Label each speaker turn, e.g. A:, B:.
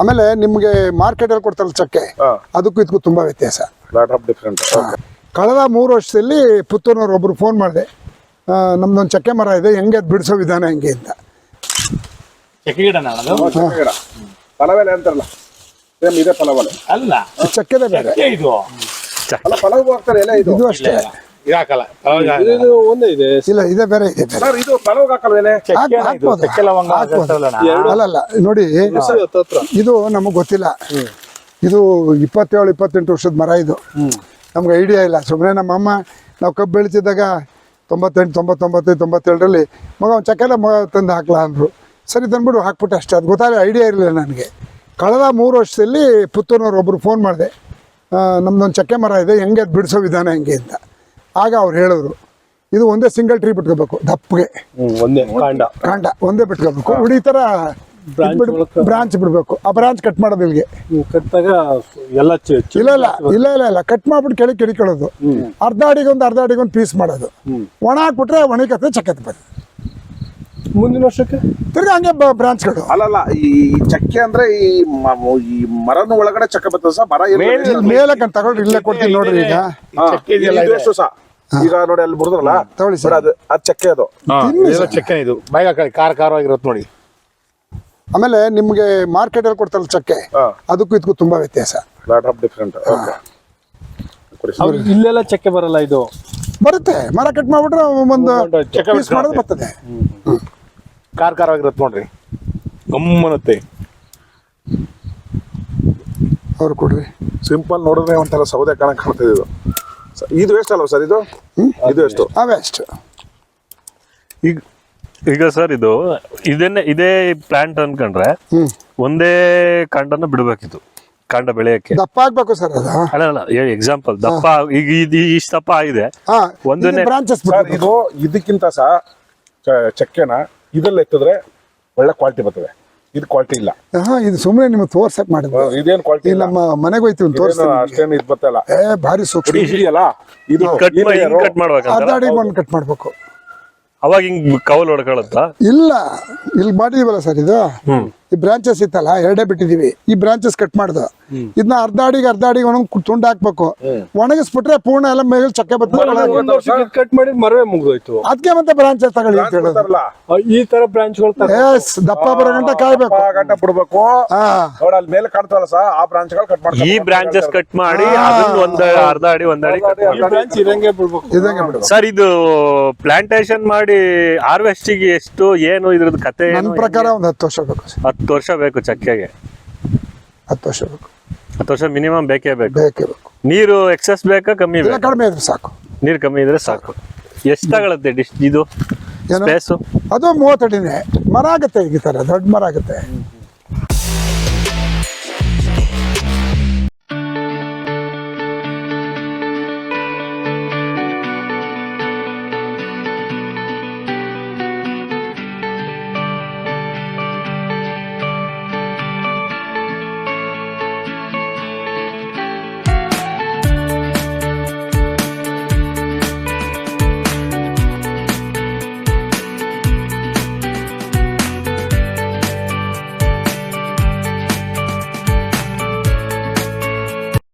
A: ಆಮೇಲೆ ನಿಮಗೆ ಮಾರ್ಕೆಟಲ್ಲಿ ಕೊಡ್ತಾರಲ್ಲ ಚಕ್ಕೆ, ಅದಕ್ಕೂ ಇದಕ್ಕೂ ತುಂಬಾ ವ್ಯತ್ಯಾಸ. ಕಳೆದ 3 ವರ್ಷದಲ್ಲಿ ಪುತ್ತೂರಿನವ್ರು ಒಬ್ರು ಫೋನ್ ಮಾಡಿದೆ, ನಮ್ದೊಂದು ಚಕ್ಕೆ ಮರ ಇದೆ, ಹೆಂಗೆ ಅದು ಬಿಡಿಸೋ ವಿಧಾನ ಹೆಂಗೆ ಅಂತ. ಚಕ್ಕೆದ ಬೇರೆ, ಇದು ಅಷ್ಟೇ. ಇಲ್ಲ ಇದೇ ಬೇರೆ ಇದೆ. ಅಲ್ಲಲ್ಲ ನೋಡಿ, ಇದು ನಮಗ್ ಗೊತ್ತಿಲ್ಲ. ಇದು 27-28 ವರ್ಷದ ಮರ. ಇದು ನಮ್ಗೆ ಐಡಿಯಾ ಇಲ್ಲ. ಸುಮ್ಮನೆ ನಮ್ಮಮ್ಮ ನಾವು ಕಬ್ಬು ಬೆಳಿತಿದ್ದಾಗ 98, 99, 97ರಲ್ಲಿ ಮಗ ಒಂದು ಚಕ್ಕೆಲ್ಲ ತಂದು ಹಾಕ್ಲಾ ಅಂದರು. ಸರಿ ತಂದ್ಬಿಟ್ಟು ಹಾಕ್ಬಿಟ್ಟು ಅಷ್ಟೇ. ಅದು ಗೊತ್ತಾಗಲಿ, ಐಡಿಯಾ ಇರಲಿಲ್ಲ ನನಗೆ. ಕಳೆದ 3 ವರ್ಷದಲ್ಲಿ ಪುತ್ತೂರಿನವ್ರು ಒಬ್ರು ಫೋನ್ ಮಾಡಿದೆ, ನಮ್ದೊಂದು ಚಕ್ಕೆ ಮರ ಇದೆ, ಹೆಂಗೆ ಅದು ಬಿಡಿಸೋ ವಿಧಾನ ಹೆಂಗೆ ಅಂತ. ಆಗ ಅವ್ರು ಹೇಳಿದ್ರು, ಇದು ಒಂದೇ ಸಿಂಗಲ್ ಟ್ರೀ ಬಿಟ್ಕೋಬೇಕು, ದಪ್ಪಗೆ ಕಾಂಡ ಒಂದೇ ಬಿಟ್ಕೋಬೇಕು. ಈ ಥರ ಬ್ರಾಂಚ್ ಬಿಡಬೇಕು. ಆ ಬ್ರಾಂಚ್ ಕಟ್ ಮಾಡೋದು ಇಲ್ಲಿಗೆ ಇಲ್ಲ ಕಟ್ ಮಾಡ್ಬಿಟ್ಟು ಕೆಳಗೆ ಕೆಡಿಕೊಳ್ಳೋದು. ಅರ್ಧ ಅಡಿಗೊಂದು ಪೀಸ್ ಮಾಡೋದು. ಒಣ ಹಾಕ್ಬಿಟ್ರೆ ಒಣಗತ್ತೆ, ಚಕ್ಕೆ ಬರ್ತದೆ. ಮುಂದಿನ ವರ್ಷಕ್ಕೆ ತಿರ್ಗಿ ಹಂಗೆ ಬ್ರಾಂಚ್ಗಳು.
B: ಅಲ್ಲಲ್ಲ, ಈ ಚಕ್ಕೆ ಅಂದ್ರೆ ಈ ಮರನ ಒಳಗಡೆ ಚಕ್ಕೆ ಬರ್ತದೆ ಸರ್. ಮರ
A: ಮೇಲಕ್ಕೆ ತಗೊಳ್ರಿ, ಇಲ್ಲೇ ಕೊಡ್ತೀನಿ ನೋಡ್ರಿ.
B: ಈಗ ನೋಡಿ ಅಲ್ಲಿ ಮುರಿದ್ರಲ್ಲ,
A: ತಗೊಳ್ಳಿ ಸರ್,
B: ಅದು ಚಕ್ಕೆ. ಅದು
C: ಚಕ್ಕೆ, ಇದು ಖಾರವಾಗಿರುತ್ತೆ ನೋಡಿ.
A: ಆಮೇಲೆ ನಿಮ್ಗೆ ಮಾರ್ಕೆಟಲ್ಲಿ ಕೊಡ್ತಾರಲ್ಲ ಚಕ್ಕೆ, ಅದಕ್ಕೂ ಇದಕ್ಕೂ ತುಂಬಾ ವ್ಯತ್ಯಾಸ.
C: ಇಲ್ಲೆಲ್ಲ ಚಕ್ಕೆ ಬರಲ್ಲ, ಇದು
A: ಬರುತ್ತೆ. ಮರ ಕಟ್ ಮಾಡ್ಬಿಟ್ರೆ ಒಂದು ಪೀಸ್ ಮಾಡೋದು ಬರ್ತದೆ.
C: ಖಾರವಾಗಿರುತ್ತೆ ನೋಡ್ರಿ, ಗಮ್ಮನತ್ತೆ.
A: ಅವ್ರು ಕೊಡ್ರಿ.
B: ಸಿಂಪಲ್ ನೋಡಿದ್ರೆ ಒಂಥರ ಸೌದೆ ಕಾಣ್ತದೆ. ಇದು ಎಷ್ಟು ಅಲ್ವಾ ಸರ್? ಇದು ಎಷ್ಟು?
A: ವೇಸ್ಟ್.
D: ಈಗ ಸರ್ ಇದು ಇದೇ ಪ್ಲಾಂಟ್ ಅನ್ಕೊಂಡ್ರೆ ಒಂದೇ ಕಾಂಡನ ಬಿಡ್ಬೇಕಿತ್ತು, ಕಾಂಡ ಬೆಳೆಯಕ್ಕೆ.
A: ದಪ್ಪ ಆಗ್ಬೇಕು ಸರ್ ಅದು.
D: ಅಲ್ಲ ಎಕ್ಸಾಂಪಲ್ ದಪ್ಪ, ಈಗ ಇಷ್ಟು ದಪ್ಪ ಆಗಿದೆ, ಒಂದನೇ
A: ಬ್ರಾಂಚಸ್.
B: ಇದು ಇದಕ್ಕಿಂತ ಸಹ ಚಕ್ಕೆನ ಇದ್ರಲ್ಲಿ ಎತ್ತಿದ್ರೆ ಒಳ್ಳೆ ಕ್ವಾಲಿಟಿ ಬರ್ತದೆ. ಇದು ಕ್ವಾಲಿಟಿ ಇಲ್ಲ.
A: ಇದು ಸುಮ್ಮನೆ ನಿಮ್ಗೆ ತೋರ್ಸಕ್ ಮಾಡಿದ್ರು.
B: ಇದೇನು ಕ್ವಾಲಿಟಿ?
A: ನಮ್ಮ ಮನೆಗೆ ಹೋಯ್ತೀವಿ, ತೋರಿಸ್ತೀನಿ.
B: ಅಷ್ಟೇನು ಇದು ಬರ್ತಲ್ಲ,
A: ಭಾರಿ ಸೂಕ್ಷ್ಮ
B: ಇದೆಯಲ್ಲ. ಇದು
D: ಕಟ್ ಮಾಡ್ಬೇಕು,
A: ಅರ್ಧ ಅಡಿ ಬಂದು ಕಟ್ ಮಾಡ್ಬೇಕು.
D: ಅವಾಗ ಹಿಂಗ್ ಕವಲ್ ಹೊಡ್ಕೊಳತ್ತ?
A: ಇಲ್ಲ, ಇಲ್ಲಿ ಮಾಡಿದೀವಲ್ಲ ಸರ್, ಇದು ಈ ಬ್ರಾಂಚಸ್ ಇತ್ತಲ್ಲ, 2 ಬಿಟ್ಟಿದೀವಿ. ಈ ಬ್ರಾಂಚಸ್ ಕಟ್ ಮಾಡ್ದು ಇದನ್ನ ಅರ್ಧ ಅಡಿಗೆ ತುಂಡು ಹಾಕ್ಬೇಕು. ಒಣಗಿಸ್ಬಿಟ್ರೆ ಪೂರ್ಣ ಎಲ್ಲ ಮೇಲೆ ಚಕ್ಕೆ ಬರ್ತದೆ.
C: ಕಟ್ ಮಾಡಿ ಮರವೇ ಮುಗಿದೋಯ್ತು.
A: ಅದಕ್ಕೆ ಮತ್ತೆ ಬ್ರಾಂಚಸ್ ತಗೊಳ್ಳಿ ಅಂತ ಹೇಳೋದು.
C: ಈ ತರ ಬ್ರಾಂಚ್ಗಳು
A: ದಪ್ಪ ಬರೋ ಗಂಟೆ ಕಾಯ್ಬೇಕು,
B: ಗಂಟೆ ಬಿಡ್ಬೇಕು. ನೋಡಿ ಅಲ್ಲಿ ಮೇಲೆ ಕಾಣ್ತಾವಲ್ಲ ಸರ್, ಆ ಬ್ರಾಂಚ್ಗಳು ಕಟ್ ಮಾಡಿ,
D: ಈ ಬ್ರಾಂಚಸ್ ಕಟ್ ಮಾಡಿ ಒಂದು ಅರ್ಧ ಅಡಿ
C: ಬ್ರಾಂಚ್ ಇದಂಗೆ ಬಿಡ್ಬೇಕು.
D: ಸರ್, ಇದು ಪ್ಲಾಂಟೇಶನ್ ಮಾಡಿ ಹಾರ್ವೆಸ್ಟಿಗೆ ಎಷ್ಟು ಏನು ಇದ್ರದ್ದು ಕತೆ?
A: ನನ್ನ ಪ್ರಕಾರ ಒಂದು 10 ವರ್ಷ ಬೇಕು.
D: 10 ವರ್ಷ ಬೇಕು ಚಕ್ಕೆಗೆ.
A: 10 ವರ್ಷ ಬೇಕು.
D: 10 ವರ್ಷ ಮಿನಿಮಮ್ ಬೇಕೇ ಬೇಕು. ನೀರು ಎಕ್ಸೆಸ್ ಬೇಕಾ ಕಮ್ಮಿ ಬೇಕಾ?
A: ಕಡಿಮೆ ಇದ್ರೆ ಸಾಕು.
D: ನೀರು ಕಮ್ಮಿ ಇದ್ರೆ ಸಾಕು. ಎಷ್ಟು ತಗೊಳುತ್ತೆ ಇದು ಸ್ಪೇಸು?
A: ಅದು 30 ಅಡಿನೇ ಮರ ಆಗುತ್ತೆ. ಈ ತರ ದೊಡ್ಡ ಮರ ಆಗುತ್ತೆ.